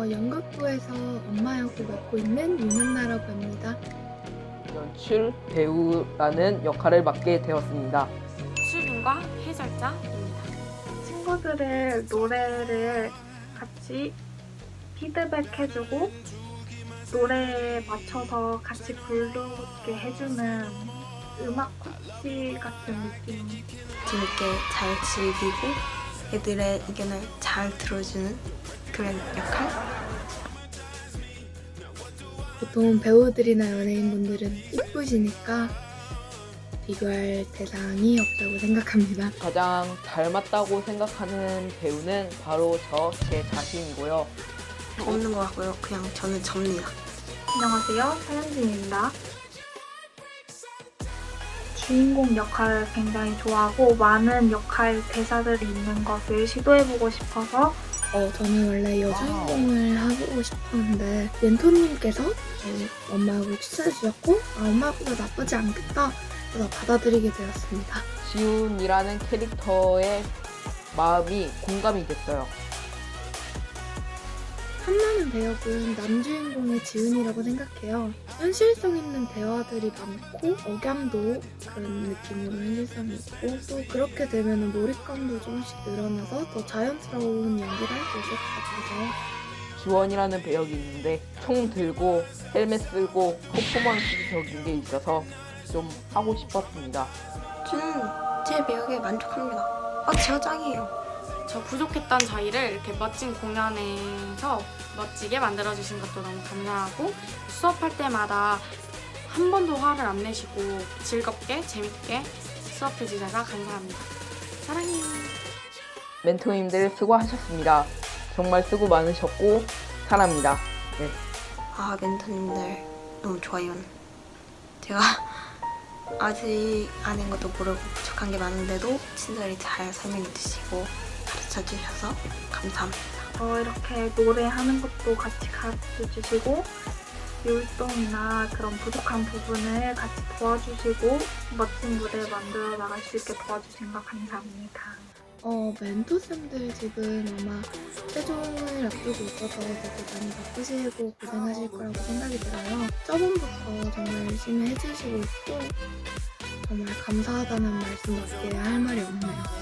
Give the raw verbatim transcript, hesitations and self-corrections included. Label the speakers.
Speaker 1: 저 연극부에서 엄마 역을 맡고 있는 윤한나라고 합니다.
Speaker 2: 연출, 배우라는 역할을 맡게 되었습니다.
Speaker 3: 수빈과 해설자입니다.
Speaker 4: 친구들의 노래를 같이 피드백해주고 노래에 맞춰서 같이 부르게 해주는 음악 코치 같은 느낌.
Speaker 5: 재밌게 잘 즐기고 애들의 의견을 잘 들어주는 그런 역할?
Speaker 1: 보통 배우들이나 연예인분들은 이쁘시니까 비교할 대상이 없다고 생각합니다.
Speaker 2: 가장 닮았다고 생각하는 배우는 바로 저 제 자신이고요.
Speaker 5: 없는 것 같고요. 그냥 저는 접니다.
Speaker 4: 안녕하세요, 서현진입니다. 주인공 역할을 굉장히 좋아하고 많은 역할 대사들이 있는 것을 시도해보고 싶어서
Speaker 1: 어, 저는 원래 여주인공을 하고 싶었는데 멘토님께서 어, 엄마하고 추천해주셨고 아, 엄마하고도 나쁘지 않겠다 그래서 받아들이게 되었습니다.
Speaker 2: 지훈이라는 캐릭터의 마음이 공감이 됐어요.
Speaker 1: 탐나는 배역은 남주인공의 지훈이라고 생각해요. 현실성 있는 대화들이 많고 억양도 그런 느낌으로 현실성이 있고 또 그렇게 되면 몰입감도 조금씩 늘어나서 더 자연스러운 연기를 할 수 있을 것 같아서
Speaker 2: 지원이라는 배역이 있는데 총 들고 헬멧 쓰고 퍼포먼스적인 게 있어서 좀 하고 싶었습니다.
Speaker 5: 저는 제 배역에 만족합니다. 아, 제가 짱이에요.
Speaker 3: 저 부족했던 저희를 이렇게 멋진 공연에서 멋지게 만들어주신 것도 너무 감사하고 수업할 때마다 한 번도 화를 안 내시고 즐겁게 재밌게 수업해 주셔서 감사합니다. 사랑해요.
Speaker 2: 멘토님들 수고하셨습니다. 정말 수고 많으셨고 사랑합니다. 네.
Speaker 5: 아, 멘토님들 너무 좋아요. 제가 아직 아는 것도 모르고 부족한 게 많은데도 친절히 잘 설명해 주시고 가르쳐 주셔서 감사합니다.
Speaker 4: 어, 이렇게 노래하는 것도 같이 가르쳐 주시고 율동이나 그런 부족한 부분을 같이 도와주시고 멋진 무대 만들어 나갈 수 있게 도와주신 거 감사합니다.
Speaker 1: 어, 멘토쌤들 지금 아마 최종을 앞두고 있어서 되게 많이 바쁘시고 고생하실 거라고 생각이 들어요. 저번부터 정말 열심히 해주시고 있고 정말 감사하다는 말씀밖에 할 말이 없네요.